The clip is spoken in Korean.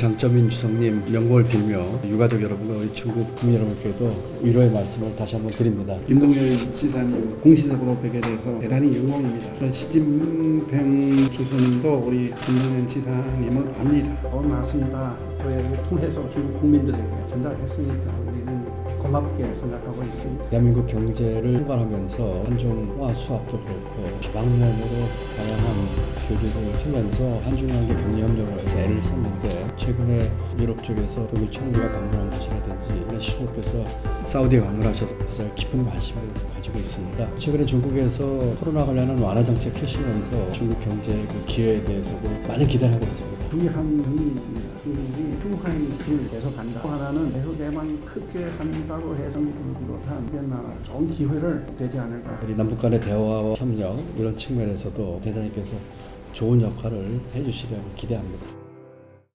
장점인 주성님 명복을 빌며 유가족 여러분과 우리 중국 국민 여러분께도 위로의 말씀을 다시 한번 드립니다. 김동열 지사님 공식적으로 뵙게 돼서 대단히 영광입니다. 시진핑 주석님도 우리 김동열 지사님을 압니다. 고맙습니다. 저희를 통해서 중국 국민들에게 전달했으니까 우리는 고맙게 생각하고 있습니다. 대한민국 경제를 통괄하면서 한중화 수합도 그렇고 다방면으로 다양한 교류를 하면서 한중관계 격리협력을 해서 애를 썼는데 최근에 유럽 쪽에서 독일 총리가 방문한 것이라든지 시조께서 사우디에 방문하셔서 가장 깊은 관심을 가지고 있습니다. 최근에 중국에서 코로나 관련한 완화 정책 펼치면서 중국 경제 그 기회에 대해서도 많은 기대를 하고 있습니다. 중요한 점이 있습니다. 중국이 평화의 길을 계속 간다. 또 하나는 대서대만 크게 한다고 해서 중국을 비롯한 비엔나 좋은 기회를 되지 않을까. 우리 남북 간의 대화와 협력 이런 측면에서도 대사님께서 좋은 역할을 해주시려고 기대합니다.